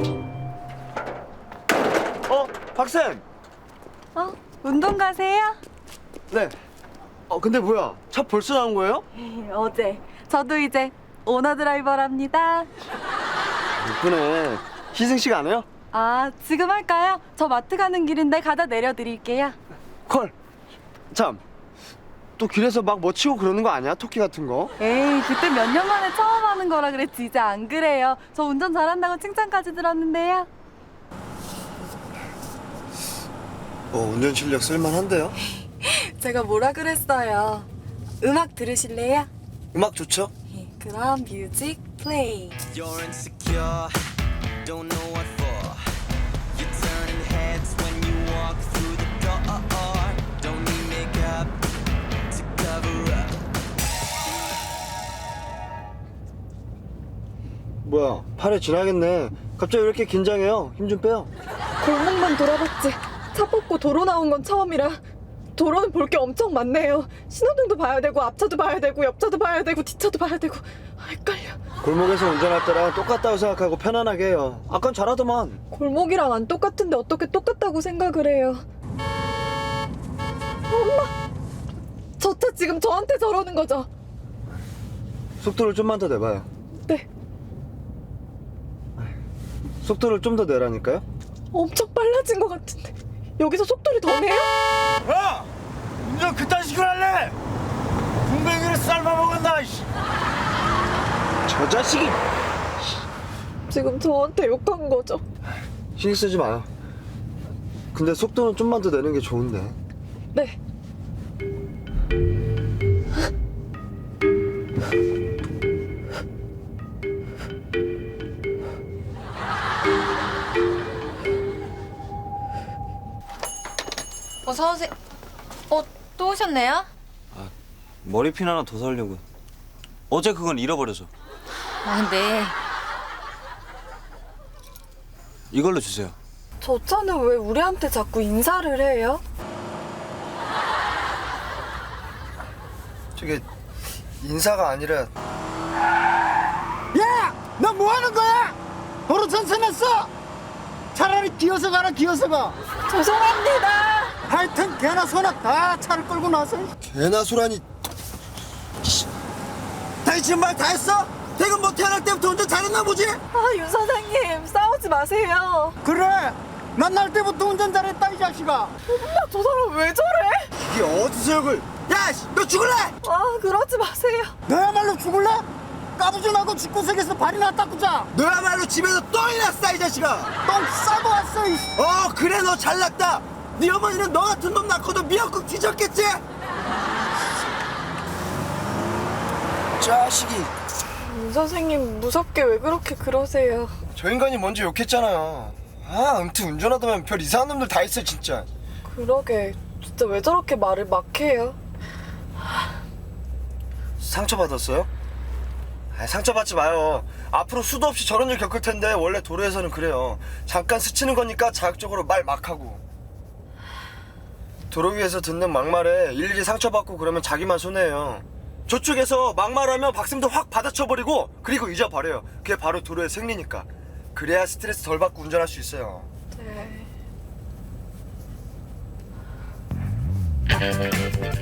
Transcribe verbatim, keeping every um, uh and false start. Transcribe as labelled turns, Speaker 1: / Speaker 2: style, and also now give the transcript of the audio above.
Speaker 1: 어, 박쌤.
Speaker 2: 어? 운동 가세요?
Speaker 1: 네. 어, 근데 뭐야? 차 벌써 나온 거예요?
Speaker 2: 어제. 저도 이제 오너 드라이버랍니다.
Speaker 1: 예쁘네. 희승 씨가 안 해요?
Speaker 2: 아, 지금 할까요? 저 마트 가는 길인데 가다 내려드릴게요.
Speaker 1: 콜. 참. 또 길에서 막 뭐 치고 그러는 거 아니야? 토끼 같은 거?
Speaker 2: 에이, 그때 몇 년 만에 처음 하는 거라 그랬지. 이제 안 그래요. 저 운전 잘한다고 칭찬까지 들었는데요.
Speaker 1: 어, 운전 실력 쓸만한데요?
Speaker 2: 제가 뭐라 그랬어요? 음악 들으실래요?
Speaker 1: 음악 좋죠?
Speaker 2: 예, 그럼 뮤직 플레이.
Speaker 3: You're insecure, don't know what for. You're turning heads when you walk through the door. Don't need makeup to cover up.
Speaker 1: 뭐야, 팔에 지나겠네. 갑자기 왜 이렇게 긴장해요? 힘 좀 빼요.
Speaker 4: 골목만 돌아봤지. 차 뽑고 도로 나온 건 처음이라 도로는 볼 게 엄청 많네요. 신호등도 봐야 되고 앞차도 봐야 되고 옆차도 봐야 되고 뒷차도 봐야 되고 헷갈려.
Speaker 1: 골목에서 운전할 때랑 똑같다고 생각하고 편안하게 해요. 아깐 잘하더만.
Speaker 4: 골목이랑 안 똑같은데 어떻게 똑같다고 생각을 해요. 엄마! 저 차 지금 저한테 저러는 거죠?
Speaker 1: 속도를 좀만 더 내봐요.
Speaker 4: 네.
Speaker 1: 속도를 좀 더 내라니까요?
Speaker 4: 엄청 빨라진 것 같은데 여기서 속도를 더 내요?
Speaker 1: 야! 운전 그딴 식으로 할래? 군뱅이를 삶아먹었나, 이씨. 저 자식이!
Speaker 4: 지금 저한테 욕한 거죠?
Speaker 1: 신경 쓰지 마요. 근데 속도는 좀만 더 내는 게 좋은데.
Speaker 4: 네.
Speaker 5: 어서 오세요. 어, 또 오셨네요?
Speaker 6: 머리핀 하나 더 사려고. 어제 그건 잃어버려서.
Speaker 5: 아, 네.
Speaker 6: 이걸로 주세요.
Speaker 4: 저 차는 왜 우리한테 자꾸 인사를 해요?
Speaker 1: 저게 인사가 아니라.
Speaker 7: 야! 너 뭐 하는 거야? 도로 전선했어! 차라리 기어서 가라, 기어서 가!
Speaker 4: 죄송합니다.
Speaker 7: 하여튼 개나 소나 다 차를 끌고 나서.
Speaker 1: 개나 소라니. 당신 지금 말 다 했어? 퇴근 뭐 태어날 때부터 운전 잘했나 보지?
Speaker 4: 아, 윤 사장님 싸우지 마세요.
Speaker 7: 그래! 난 날 때부터 운전 잘했다, 이 자식아!
Speaker 4: 엄마, 저 사람 왜 저래?
Speaker 1: 이게 어디서 욕을. 야, 씨, 너 죽을래?
Speaker 4: 아, 그러지 마세요.
Speaker 7: 너야말로 죽을래? 까부지나고 집구석에서 발이나 닦고자!
Speaker 1: 너야말로 집에서 똥이 났어, 이 자식아.
Speaker 7: 똥 싸고 왔어, 이
Speaker 1: 어, 그래, 너 잘났다. 네 어머니는 너 같은 놈 낳고도 미역국 뒤졌겠지? 자식이.
Speaker 4: 윤 선생님 무섭게 왜 그렇게 그러세요?
Speaker 1: 저 인간이 먼저 욕했잖아요. 아, 아무튼 운전하다 별 이상한 놈들 다 있어, 진짜.
Speaker 4: 그러게 진짜 왜 저렇게 말을 막 해요?
Speaker 1: 상처받았어요? 아, 상처받지 마요. 앞으로 수도 없이 저런 일 겪을 텐데 원래 도로에서는 그래요. 잠깐 스치는 거니까 자극적으로 말 막 하고. 도로 위에서 듣는 막말에 일일이 상처받고 그러면 자기만 손해예요. 저쪽에서 막말하면 박쌤도 확 받아쳐버리고 그리고 잊어버려요. 그게 바로 도로의 생리니까. 그래야 스트레스 덜 받고 운전할 수 있어요.
Speaker 4: 네.